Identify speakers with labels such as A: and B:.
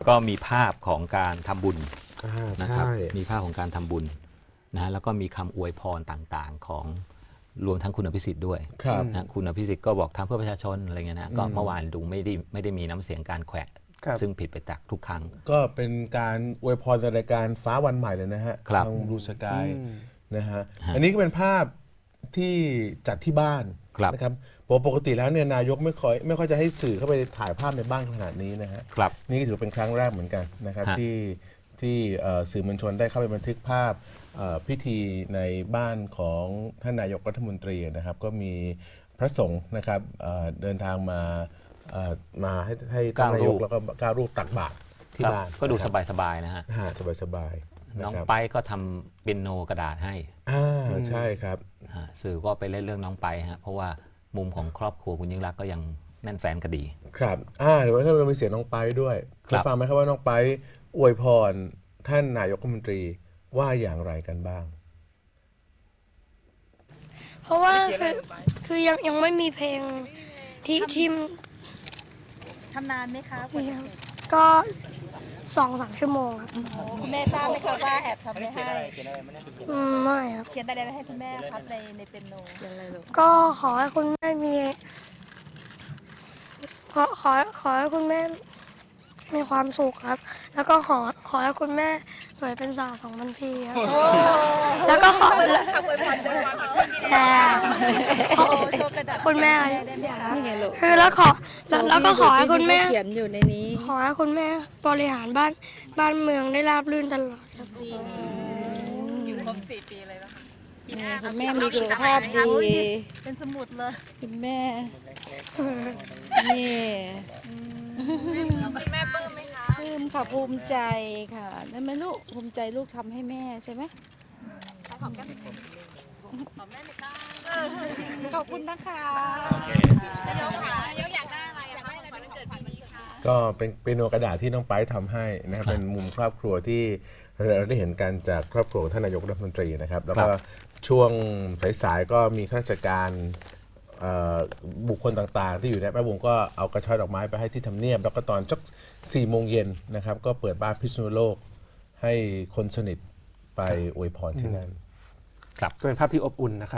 A: ก็มีภาพของการทำบุญนะครับ
B: ใช่
A: มีภาพของการทำบุญนะฮะแล้วก็มีคำอวยพรต่างๆของรวมทั้งคุณอภิสิทธิ์ด้วย
B: ครับ
A: นะคุณอภิสิทธิ์ก็บอกทำเพื่อประชาชนอะไรเงี้ยนะก็เมื่อวานดูไม่ได้มีน้ำเสียงการแขวะ
C: ครับ
A: ซึ่งผิดไปจากทุกครั้ง
B: ก็เป็นการอวยพรในรายการฟ้าวันใหม่เลยนะฮะ
A: ครับ
B: ทางบลูสกายนะฮะอันนี้ก็เป็นภาพที่จัดที่บ้าน
A: ครับ
B: นะครับเพราะปกติแล้วเนี่ยนายกไม่ค่อยจะให้สื่อเข้าไปถ่ายภาพในบ้านขนาดนี้นะฮะ
A: ครับ
B: นี่ก็ถือเป็นครั้งแรกเหมือนกันนะครับ
A: ฮะ
B: ที่สื่อมวลชนได้เข้าไปบันทึกภาพพิธีในบ้านของท่านนายกรัฐมนตรีนะครับ ก็มีพระสงฆ์นะครับเดินทางมาให้ท่านนายกแล้วก็9 รูปตักบาตรที่
A: ครับ
B: บ้าน
A: ก็ดู
B: นะครับ
A: สบายๆนะฮะ
B: สบายๆ
A: น้อง
B: นะครับ
A: ไปก็ทำเปียโนกระดาษให้
B: ใช่ครับ
A: สื่อก็ไปเล่นเรื่องน้องไปฮะเพราะว่ามุมของครอบครัวคุณยิ่งรักษณ์ก็ยังแน่นแฟนคดี
B: ครับเดี๋ยวเรามีเสียงน้องไปด้วย
A: ครับ
B: ได้ฟังไหมครับว่าน้องไปอวยพรท่านนายกรัฐมนตรีว่าอย่างไรกันบ้าง
D: เพราะว่าคือยังไม่มีเพลงที่
E: ทำนานไหมคะ
D: ก็2-3 ชั่วโมงครับ
E: คุณแม่ทราบไหมคะว่าแอบทำไม่ให้
D: ไม่ครับ
E: เขียนอะไรไว้ให้คุณแม่ครับในเปียโนเขียนอะไรลูก
D: ก็ขอให้คุณแม่มีขอให้คุณแม่มีความสุขครับ แล้วก็ขอให้คุณแม่สวยเป็นสาว2,000 ปีครับแล้วก็คุณแม่คือแล้วก็ขอให้คุณแม่
E: เขียนอยู่ในนี้
D: ขอให้คุณแม่บริหารบ้านเมืองได้ราบรื่นตลอดครับ
F: อยู่ครบ4 ปีเลยป่ะคะปีหน้า
E: คุณแม่มีสุขภาพดี
F: เป็นสมุดเลย
E: คุณแม่ นี่
F: แม่ปลื้มไหมคะ
E: ปลื้มค่ะภูมิใจค่ะได้ไหมลูกภูมิใจลูกทำให้แม่ใช่ไหมขอบคุณนะคะ
F: นายกค่ะนายกอยากได้อะไรอยากได้อะไรเป็นวันเกิดปีนี้คะ
B: ก็เป็นเปียโนกระดาษที่น้องไปทำให้นะครับเป็นมุมครอบครัวที่เราได้เห็นกันจากครอบครัวของท่านนายกรัฐมนตรีนะครับ แล้วก็ช่วงสายๆก็มีข้าราชการบุคคลต่างๆ ที่อยู่ในแวดวงก็เอากระเช้าดอกไม้ไปให้ที่ทำเนียบ แล้วก็ตอนสัก4 โมงเย็นนะครับก็เปิดบ้านพิษณุโลกให้คนสนิทไปอวยพรที่นั่น
C: ก็เป็นภาพที่อบอุ่นนะครับ